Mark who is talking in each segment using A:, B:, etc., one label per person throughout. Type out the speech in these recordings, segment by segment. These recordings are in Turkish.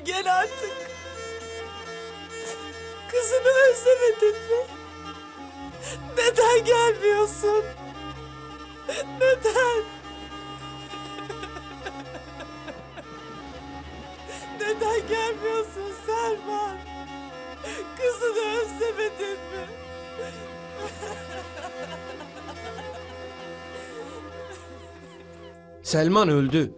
A: gel artık. Kızını özlemedin mi? Neden gelmiyorsun? Neden? Neden gelmiyorsun Selman? Kızını özlemedin mi?
B: Selman öldü.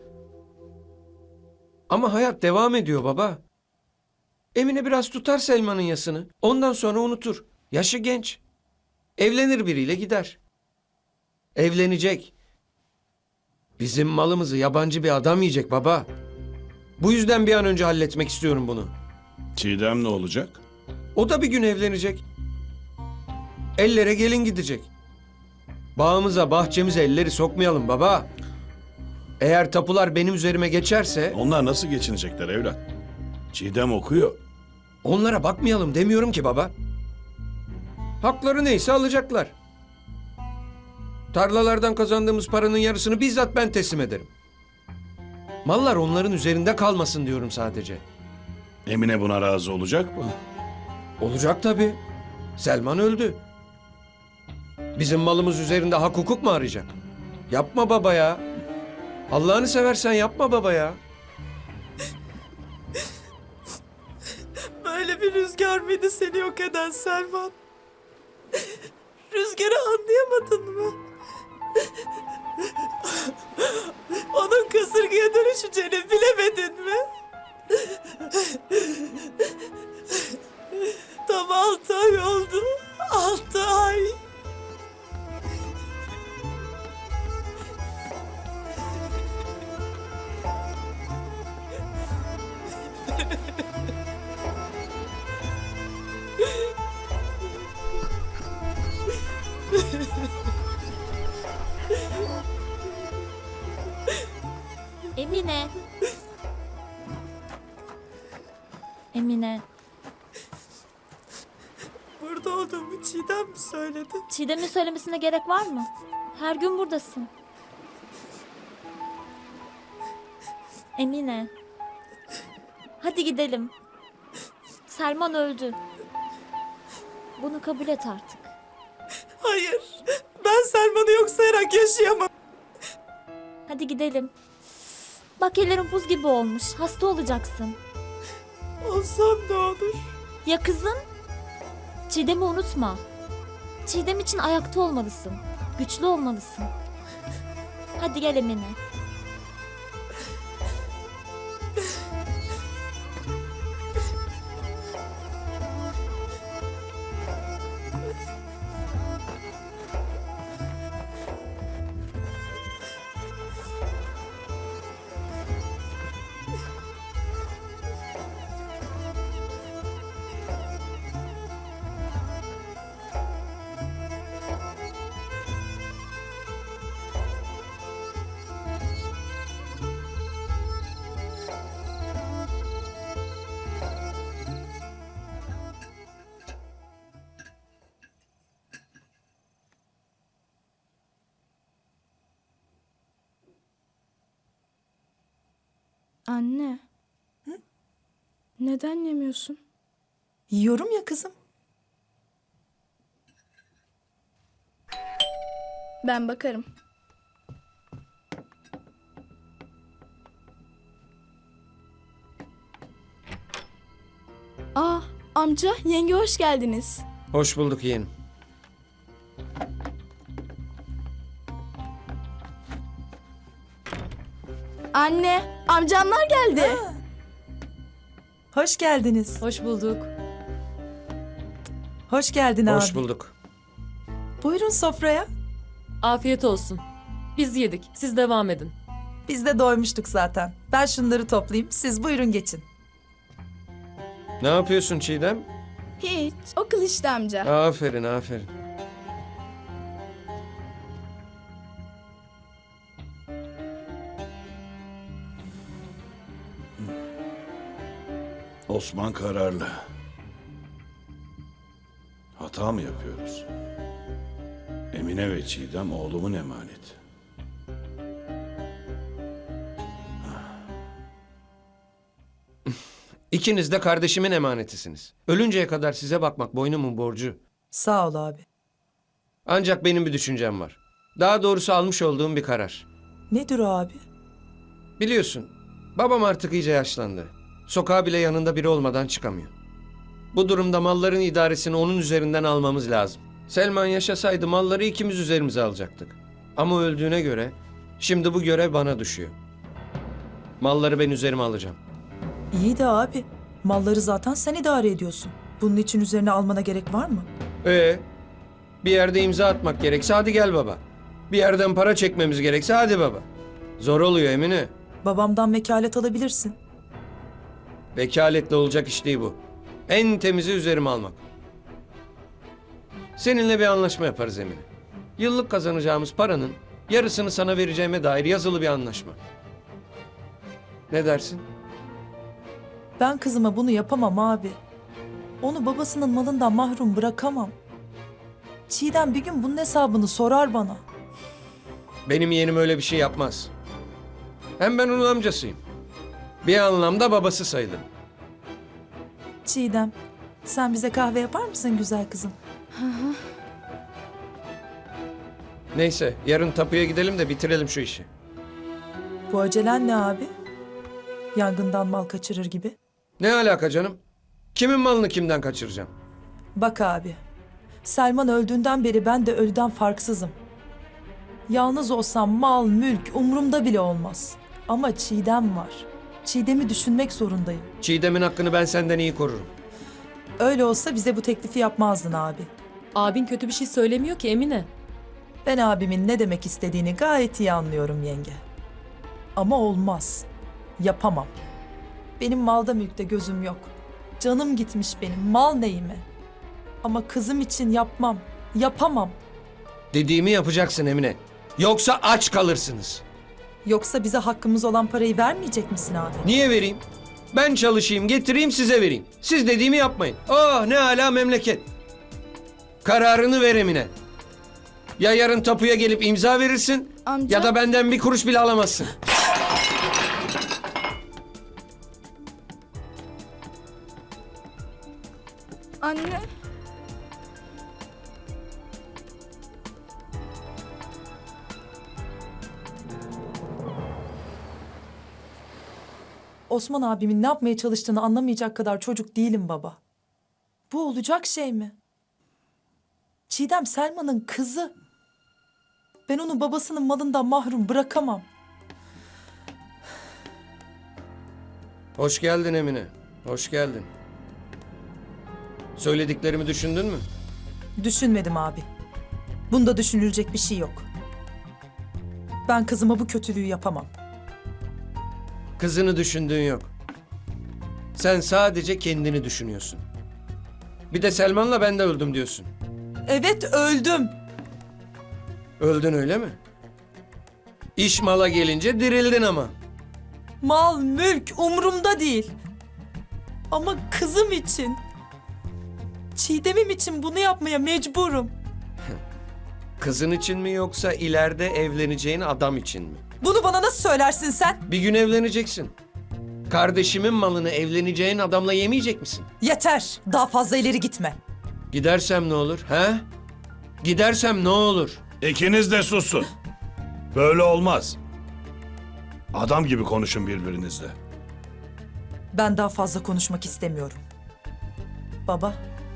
B: Ama hayat devam ediyor baba. Emine biraz tutar Selman'ın yasını. Ondan sonra unutur. Yaşı genç. Evlenir biriyle gider. Evlenecek. Bizim malımızı yabancı bir adam yiyecek baba. Bu yüzden bir an önce halletmek istiyorum bunu.
C: Çiğdem ne olacak?
B: O da bir gün evlenecek. Ellere gelin gidecek. Bağımıza, bahçemize elleri sokmayalım baba. Eğer tapular benim üzerime geçerse
C: Onlar nasıl geçinecekler evlat? Çiğdem okuyor.
B: onlara bakmayalım demiyorum ki baba. Hakları neyse alacaklar. Tarlalardan kazandığımız paranın yarısını bizzat ben teslim ederim. Mallar onların üzerinde kalmasın diyorum sadece.
C: Emine buna razı olacak mı?
B: Olacak tabii. Selman öldü. Bizim malımız üzerinde hak hukuk mu arayacak? Yapma baba ya. Allah'ını seversen yapma baba ya.
A: Böyle bir rüzgar mıydı seni yok eden Selman? Rüzgarı anlayamadın mı? Onun kasırgaya dönüşeceğini bilemedin mi? Tam 6 ay oldu. 6 ay.
D: Emine. Emine.
A: Burada olduğumu Çiğdem mi söyledi?
D: Çiğdem'in söylemesine gerek var mı? Her gün buradasın. Emine. Hadi gidelim. Selman öldü. Bunu kabul et artık.
A: Hayır. Ben Selman'ı yok sayarak yaşayamam.
D: Hadi gidelim. Bak ellerin buz gibi olmuş. Hasta olacaksın.
A: Olsam ne olur?
D: Ya kızım? Çiğdem'i unutma. Çiğdem için ayakta olmalısın. Güçlü olmalısın. Hadi gel Emine.
E: Anne. Neden yemiyorsun?
A: Yiyorum ya kızım.
E: Ben bakarım. Amca, yenge hoş geldiniz.
B: Hoş bulduk yeğenim.
E: Anne, amcamlar geldi.
A: Hoş geldiniz.
F: Hoş bulduk.
A: Hoş geldin abi.
B: Hoş bulduk.
A: Buyurun sofraya.
F: Afiyet olsun. Biz yedik. Siz devam edin.
A: Biz de doymuştuk zaten. Ben şunları toplayayım. Siz buyurun geçin.
B: Ne yapıyorsun Çiğdem?
E: Hiç, okul işte amca.
B: Aferin, aferin.
C: Osman kararlı. Hata mı yapıyoruz? Emine ve Çiğdem oğlumun emaneti.
B: İkiniz de kardeşimin emanetisiniz. Ölünceye kadar size bakmak boynumun borcu.
A: Sağ ol abi.
B: Ancak benim bir düşüncem var. Daha doğrusu almış olduğum bir karar.
A: Nedir o abi?
B: Biliyorsun, babam artık iyice yaşlandı. Sokağa bile yanında biri olmadan çıkamıyor. Bu durumda malların idaresini onun üzerinden almamız lazım. Selman yaşasaydı malları ikimiz üzerimize alacaktık. Ama öldüğüne göre şimdi bu görev bana düşüyor. Malları ben üzerime alacağım.
G: İyi de abi, malları zaten sen idare ediyorsun. Bunun için üzerine almana gerek var mı?
B: Bir yerde imza atmak gerekse hadi gel baba. Bir yerden para çekmemiz gerekse hadi baba. Zor oluyor Emine.
G: Babamdan vekalet alabilirsin.
B: Vekaletle olacak iş değil bu. En temizi üzerime almak. Seninle bir anlaşma yaparız Emine. Yıllık kazanacağımız paranın yarısını sana vereceğime dair yazılı bir anlaşma. Ne dersin?
G: Ben kızıma bunu yapamam abi. Onu babasının malından mahrum bırakamam. Çiğdem bir gün bunun hesabını sorar bana.
B: Benim yeğenim öyle bir şey yapmaz. Hem ben onun amcasıyım. Bir anlamda babası sayılırım.
G: Çiğdem, sen bize kahve yapar mısın güzel kızım?
B: Neyse yarın tapuya gidelim de bitirelim şu işi.
G: Bu acelen ne abi? Yangından mal kaçırır gibi.
B: Ne alaka canım? Kimin malını kimden kaçıracağım?
G: Bak abi, Selman öldüğünden beri ben de ölüden farksızım. Yalnız olsam mal, mülk umurumda bile olmaz. Ama Çiğdem var. Çiğdem'i düşünmek zorundayım.
B: Çiğdem'in hakkını ben senden iyi korurum.
G: Öyle olsa bize bu teklifi yapmazdın abi.
F: Abin kötü bir şey söylemiyor ki Emine.
G: Ben abimin ne demek istediğini gayet iyi anlıyorum yenge. Ama olmaz. Yapamam. Benim malda mülkte gözüm yok. Canım gitmiş benim. Mal neyime? Ama kızım için yapmam. Yapamam.
B: Dediğimi yapacaksın Emine. Yoksa aç kalırsınız.
G: Yoksa bize hakkımız olan parayı vermeyecek misin abi?
B: Niye vereyim? Ben çalışayım, getireyim size vereyim. Siz dediğimi yapmayın. Oh ne âlâ memleket. Kararını ver Emine. Ya yarın tapuya gelip imza verirsin
E: Amca.
B: ya da benden bir kuruş bile alamazsın.
E: Anne.
G: Osman abimin ne yapmaya çalıştığını anlamayacak kadar çocuk değilim baba. Bu olacak şey mi? Çiğdem Selman'ın kızı. Ben onu babasının malından mahrum bırakamam.
B: Hoş geldin Emine. Hoş geldin. Söylediklerimi düşündün mü?
G: Düşünmedim abi. Bunda düşünülecek bir şey yok. Ben kızıma bu kötülüğü yapamam.
B: Kızını düşündüğün yok. Sen sadece kendini düşünüyorsun. Bir de Selman'la ben de öldüm diyorsun.
G: Evet öldüm.
B: Öldün öyle mi? İş mala gelince dirildin ama.
G: Mal, mülk umurumda değil. Ama kızım için, Çiğdem'im için bunu yapmaya mecburum.
B: Kızın için mi yoksa ileride evleneceğin adam için mi?
G: Bunu bana nasıl söylersin sen?
B: Bir gün evleneceksin. Kardeşimin malını evleneceğin adamla yemeyecek misin?
G: Yeter, daha fazla ileri gitme.
B: Gidersem ne olur, he? Gidersem ne olur?
C: İkiniz de susun. Böyle olmaz. Adam gibi konuşun birbirinizle.
G: Ben daha fazla konuşmak istemiyorum. Baba,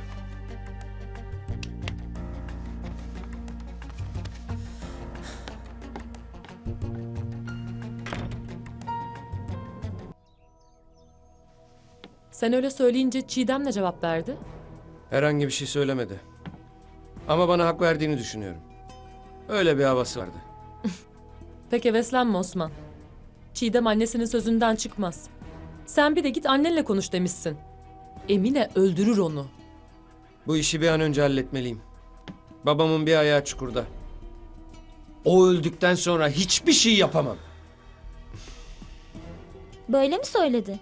F: Sen öyle söyleyince Çiğdem ne cevap verdi?
B: Herhangi bir şey söylemedi. Ama bana hak verdiğini düşünüyorum. Öyle bir havası vardı.
F: Pek heveslenme Osman. Çiğdem annesinin sözünden çıkmaz. Sen bir de git annenle konuş demişsin. Emine öldürür onu.
B: Bu işi bir an önce halletmeliyim. Babamın bir ayağı çukurda. O öldükten sonra hiçbir şey yapamam.
D: Böyle mi söyledi?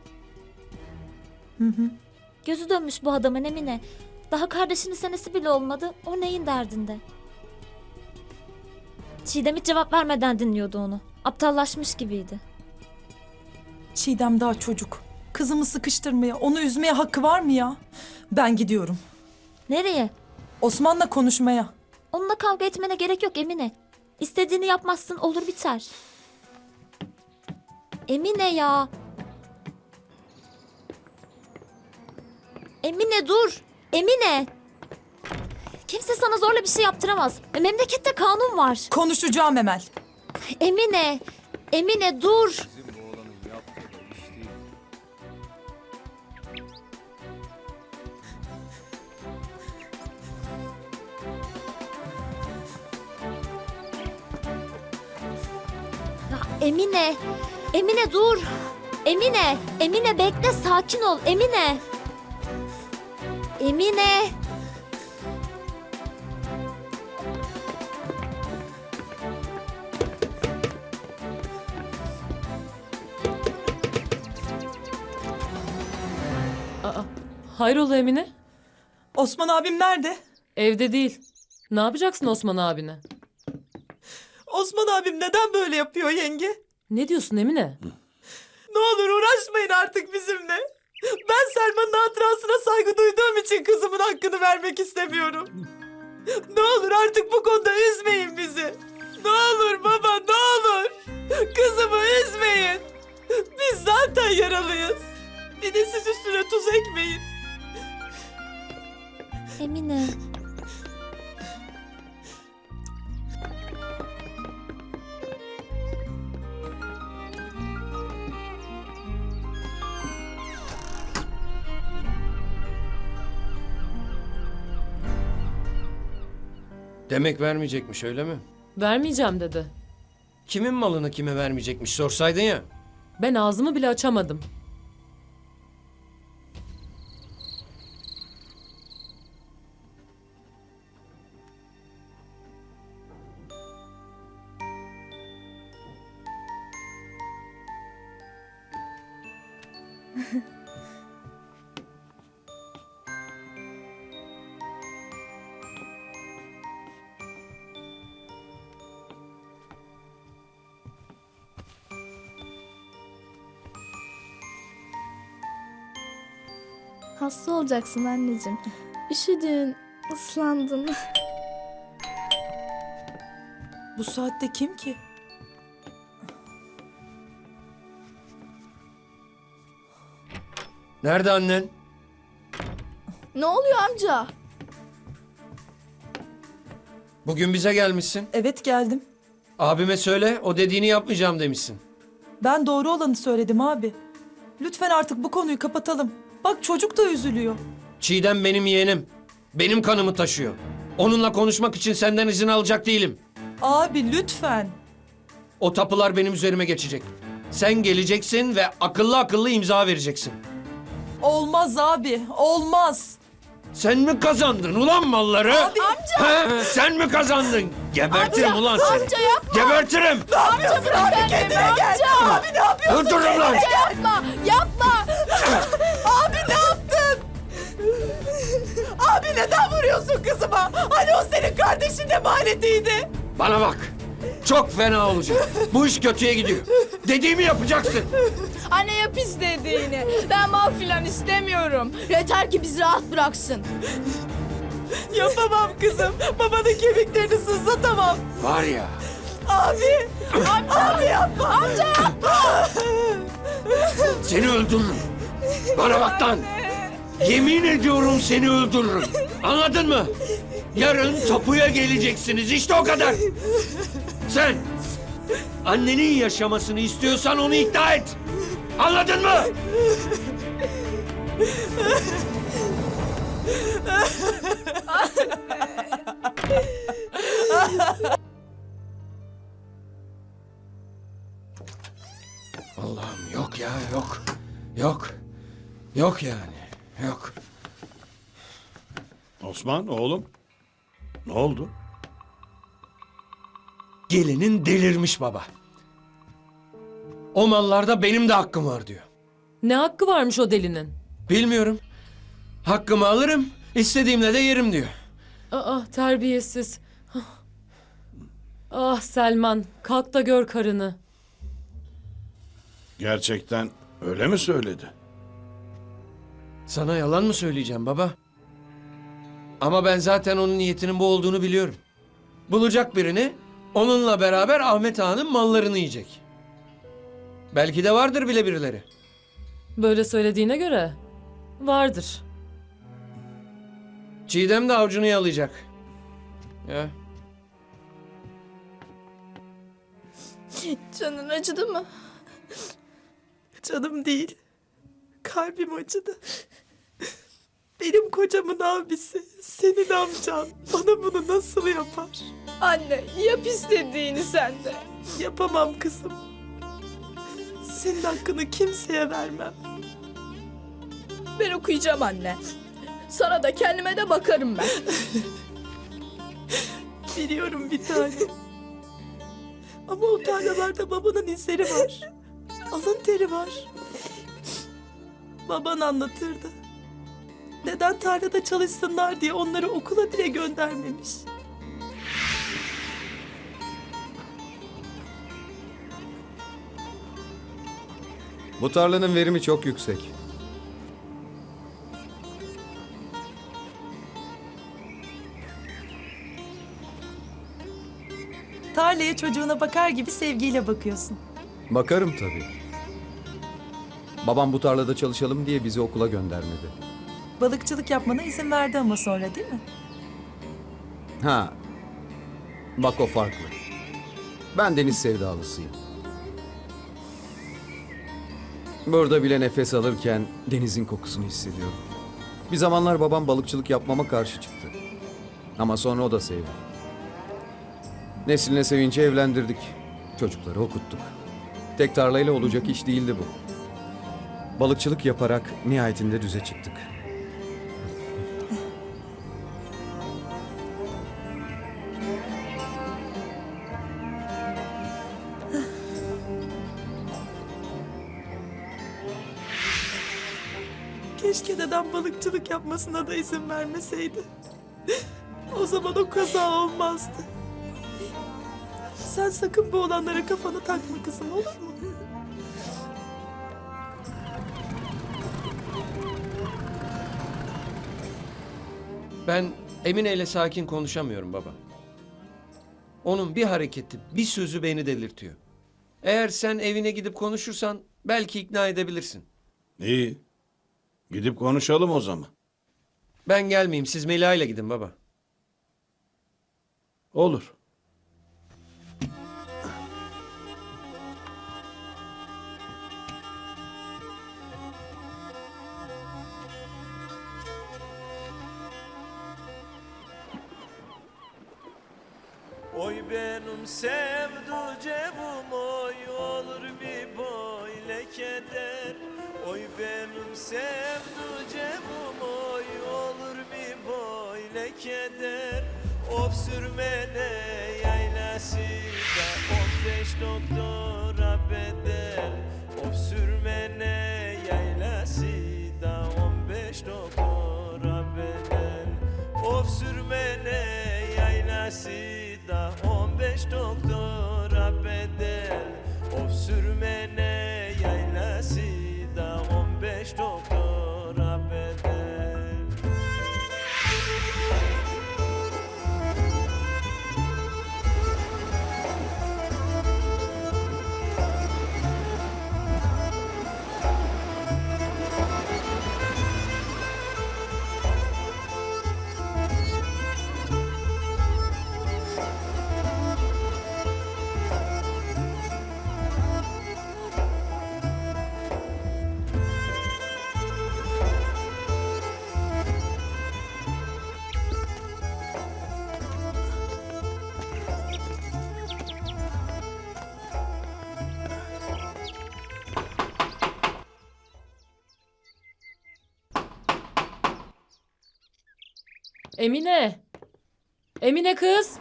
D: Gözü dönmüş bu adamın Emine. Daha kardeşinin senesi bile olmadı. O neyin derdinde? Çiğdem hiç cevap vermeden dinliyordu onu. Aptallaşmış gibiydi.
G: Çiğdem daha çocuk. Kızımı sıkıştırmaya, onu üzmeye hakkı var mı ya? Ben gidiyorum.
D: Nereye?
G: Osman'la konuşmaya.
D: Onunla kavga etmene gerek yok Emine. İstediğini yapmazsın, olur biter. Emine ya. Emine dur. Emine. Kimse sana zorla bir şey yaptıramaz. Memlekette kanun var.
G: Konuşacağım Emel.
D: Emine. Emine dur. Ya Emine. Emine dur. Emine. Emine bekle, sakin ol. Emine. Emine.
F: Aa, hayrola Emine?
G: Osman abim nerede?
F: Evde değil. Ne yapacaksın Osman abine?
A: Osman abim neden böyle yapıyor yenge?
F: Ne diyorsun Emine?
A: Ne olur uğraşmayın artık bizimle. Ben Selma'nın hatırasına saygı duyduğum için kızımın hakkını vermek istemiyorum. Ne olur artık bu konuda üzmeyin bizi. Ne olur baba, ne olur. Kızımı üzmeyin. Biz zaten yaralıyız. Bir de siz üstüne tuz ekmeyin.
D: Emine.
B: Demek vermeyecekmiş öyle mi?
F: Vermeyeceğim dedi.
B: Kimin malını kime vermeyecekmiş sorsaydın ya.
F: Ben ağzımı bile açamadım.
E: Hasta olacaksın anneciğim. Üşüdün, ıslandın.
G: Bu saatte kim ki?
B: Nerede annen?
E: Ne oluyor amca?
B: Bugün bize gelmişsin.
G: Evet geldim.
B: Abime söyle, o dediğini yapmayacağım demişsin.
G: Ben doğru olanı söyledim abi. Lütfen artık bu konuyu kapatalım. Bak çocuk da üzülüyor.
B: Çiğdem benim yeğenim. Benim kanımı taşıyor. Onunla konuşmak için senden izin alacak değilim.
G: Abi lütfen.
B: O tapular benim üzerime geçecek. Sen geleceksin ve akıllı akıllı imza vereceksin.
G: Olmaz abi, olmaz.
B: Sen mi kazandın ulan malları?
G: Abi,
B: He, sen mi kazandın? Gebertirim ulan seni.
E: Amca yapma.
B: Gebertirim.
E: Amca bırak kendini amca.
A: Abi ne yapıyorsun?
B: Öldürürüm lan.
E: Yapma, yapma.
A: Abi ne yaptın? Abi neden vuruyorsun kızıma? Hani o senin kardeşin de manetiydi.
B: Bana bak. Çok fena olacak. Bu iş kötüye gidiyor. Dediğimi yapacaksın.
E: Anne yap istediğini. Ben mal filan istemiyorum. Yeter ki bizi rahat bıraksın.
A: Yapamam kızım. Babanın kemiklerini sızlatamam.
B: Var ya.
A: Abi. Abi yapma. Amca yapma.
B: Seni öldürürüm. Bana bak lan. Yemin ediyorum seni öldürürüm. Anladın mı? Yarın tapuya geleceksiniz. İşte o kadar. Sen annenin yaşamasını istiyorsan onu ikna et. Anladın mı? Allah'ım yok ya yok. Yok. Yok yani. Yok.
C: Osman oğlum. Ne oldu?
B: Gelinin delirmiş baba. O mallarda benim de hakkım var diyor.
F: Ne hakkı varmış o delinin?
B: Bilmiyorum. Hakkımı alırım, istediğimle de yerim diyor.
F: Aa, terbiyesiz. Ah Selman, kalk da gör karını.
C: Gerçekten öyle mi söyledi?
B: Sana yalan mı söyleyeceğim baba? Ama ben zaten onun niyetinin bu olduğunu biliyorum. Bulacak birini, onunla beraber Ahmet Ağa'nın mallarını yiyecek. Belki de vardır bile birileri.
F: Böyle söylediğine göre vardır.
B: Çiğdem de avcunu yalayacak. Ya.
E: Canın acıdı mı?
A: Canım değil. Kalbim acıdı. Benim kocamın abisi, senin amcan bana bunu nasıl yapar?
E: Anne yap istediğini sen de.
A: Yapamam kızım. Senin hakkını kimseye vermem.
E: Ben okuyacağım anne. Sana da kendime de bakarım ben.
A: Biliyorum bir tane. Ama o tarlalarda babanın izleri var. Alın teri var. Baban anlatırdı. Neden tarlada çalışsınlar diye onları okula bile göndermemiş.
H: Bu tarlanın verimi çok yüksek.
G: Tarlaya çocuğuna bakar gibi sevgiyle bakıyorsun.
H: Bakarım tabii. Babam bu tarlada çalışalım diye bizi okula göndermedi.
G: Balıkçılık yapmana izin verdi ama sonra değil mi?
H: Ha. Bak o farklı. Ben deniz sevdalısıyım. Burada bile nefes alırken denizin kokusunu hissediyorum. Bir zamanlar babam balıkçılık yapmama karşı çıktı. Ama sonra o da sevdi. Nesline sevince evlendirdik. Çocukları okuttuk. Tek tarlayla olacak iş değildi bu. Balıkçılık yaparak nihayetinde düze çıktık.
A: Keşke dedem balıkçılık yapmasına da izin vermeseydi. O zaman o kaza olmazdı. Sen sakın bu olanlara kafanı takma kızım, olur mu?
B: Ben Emine ile sakin konuşamıyorum baba. Onun bir hareketi, bir sözü beni delirtiyor. Eğer sen evine gidip konuşursan belki ikna edebilirsin.
C: İyi. Gidip konuşalım o zaman.
B: Ben gelmeyeyim, siz Mela ile gidin baba.
C: Olur.
I: Oy benim sevducevum oy olur bir böyle keder. Oy benim sevducevum oy olur bir böyle keder. Of sürmene yaylası da 15 doktora bedel. Of sürmene yaylası da 15 doktora bedel. Of sürmene yaylası da 15 doktora bedel. Of sürmene yaylası da 15 doktora bedel.
F: Emine! Emine kız!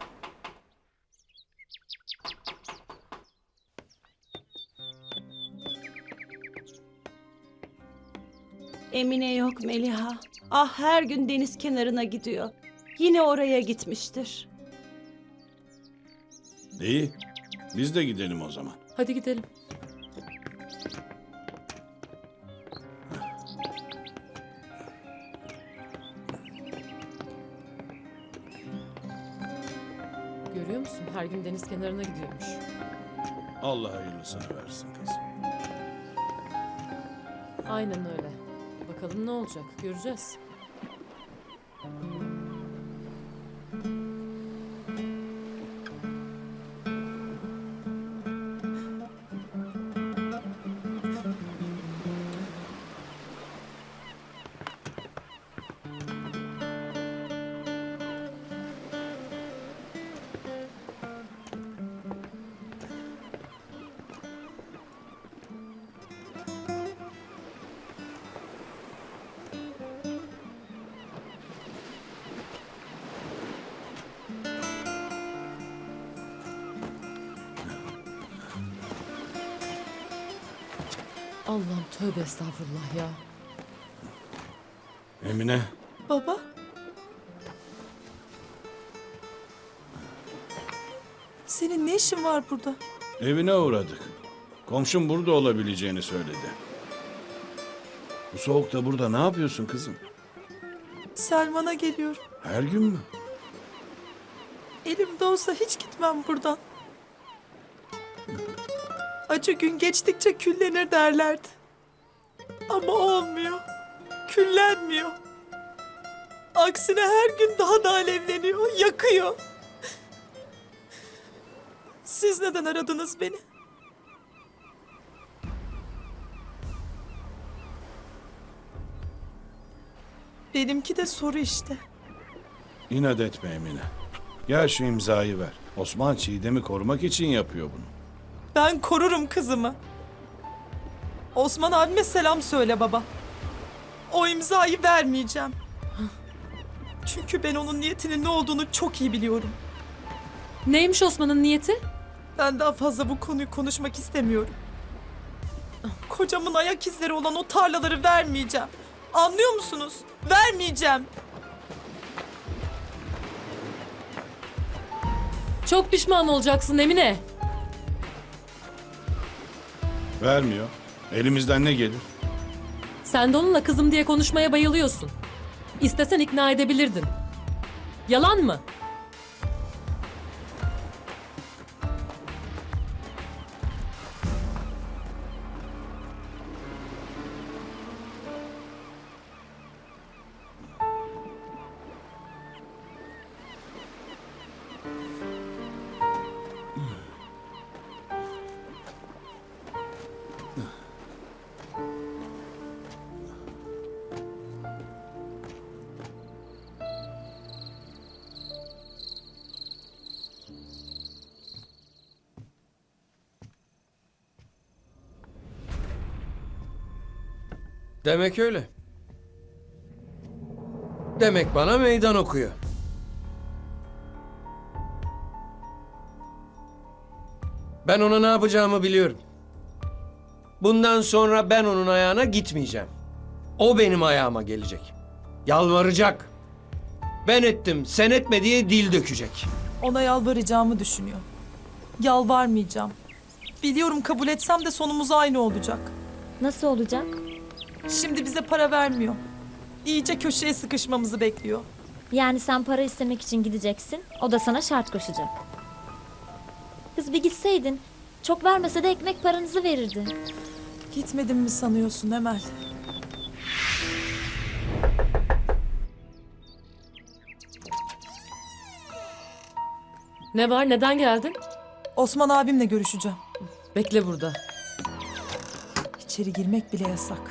J: Emine yok Meliha. Ah her gün deniz kenarına gidiyor. Yine oraya gitmiştir.
C: İyi. Biz de gidelim o zaman.
F: Hadi gidelim. Görüyor musun? Her gün deniz kenarına gidiyormuş.
C: Allah hayırlısını versin kızım.
F: Aynen öyle. Bakalım ne olacak, göreceğiz. Allah'ım tövbe estağfurullah ya.
C: Emine,
G: Baba. Senin ne işin var burada?
C: evine uğradık. Komşum burada olabileceğini söyledi. Bu soğukta burada ne yapıyorsun kızım?
G: Selman'a geliyorum.
C: Her gün mü?
G: Elimde olsa hiç gitmem buradan. Acı gün geçtikçe küllenir derlerdi. Ama olmuyor. Küllenmiyor. Aksine her gün daha da alevleniyor, yakıyor. Siz neden aradınız beni? Benimki de soru işte.
C: İnat etme Emine. Gel şu imzayı ver. Osman Çiğdem'i korumak için yapıyor bunu.
G: Ben korurum kızımı. Osman abime selam söyle baba. O imzayı vermeyeceğim. Çünkü ben onun niyetinin ne olduğunu çok iyi biliyorum.
F: Neymiş Osman'ın niyeti?
G: Ben daha fazla bu konuyu konuşmak istemiyorum. Kocamın ayak izleri olan o tarlaları vermeyeceğim. Anlıyor musunuz? Vermeyeceğim.
F: Çok pişman olacaksın Emine.
C: Vermiyor. Elimizden ne gelir?
F: Sen de onunla kızım diye konuşmaya bayılıyorsun. İstesen ikna edebilirdin. Yalan mı?
B: Demek öyle. Demek bana meydan okuyor. Ben ona ne yapacağımı biliyorum. Bundan sonra ben onun ayağına gitmeyeceğim. O benim ayağıma gelecek. Yalvaracak. Ben ettim, sen etme diye dil dökecek.
G: Ona yalvaracağımı düşünüyor. Yalvarmayacağım. Biliyorum kabul etsem de sonumuz aynı olacak.
D: Nasıl olacak?
G: Şimdi bize para vermiyor. İyice köşeye sıkışmamızı bekliyor.
D: Yani sen para istemek için gideceksin, o da sana şart koşacak. Kız bir gitseydin, çok vermese de ekmek paranızı verirdi.
G: Gitmedim mi sanıyorsun Emel?
F: Ne var, neden geldin?
G: Osman abimle görüşeceğim.
F: Bekle burada.
G: İçeri girmek bile yasak.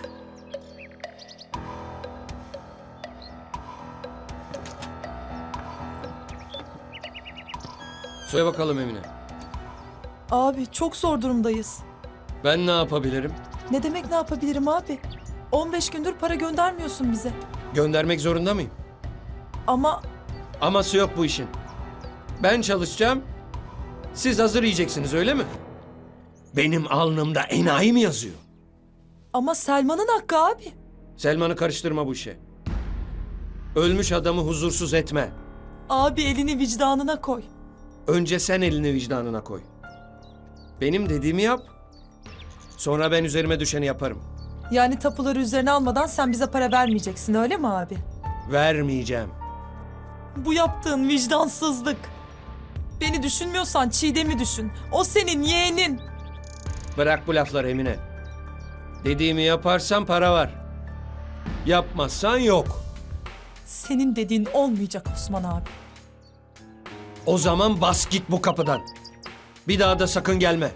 B: Söyle bakalım Emine.
G: Abi çok zor durumdayız.
B: Ben ne yapabilirim?
G: Ne demek ne yapabilirim abi? 15 gündür para göndermiyorsun bize.
B: Göndermek zorunda mıyım?
G: Ama
B: Aması yok bu işin. Ben çalışacağım. Siz hazır yiyeceksiniz öyle mi? Benim alnımda enayi mi yazıyor?
G: Selman'ın hakkı abi.
B: Selman'ı karıştırma bu işe. Ölmüş adamı huzursuz etme.
G: Abi elini vicdanına koy.
B: Önce sen elini vicdanına koy. Benim dediğimi yap. Sonra ben üzerime düşeni yaparım.
G: Yani tapuları üzerine almadan sen bize para vermeyeceksin öyle mi abi?
B: Vermeyeceğim.
G: Bu yaptığın vicdansızlık. Beni düşünmüyorsan Çiğdem'i düşün. O senin yeğenin.
B: Bırak bu lafları Emine. Dediğimi yaparsan para var. Yapmazsan yok.
G: Senin dediğin olmayacak Osman abi.
B: O zaman bas git bu kapıdan. Bir daha da sakın gelme.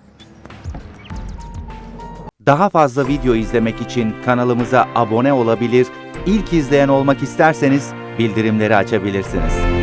K: Daha fazla video izlemek için kanalımıza abone olabilir, ilk izleyen olmak isterseniz bildirimleri açabilirsiniz.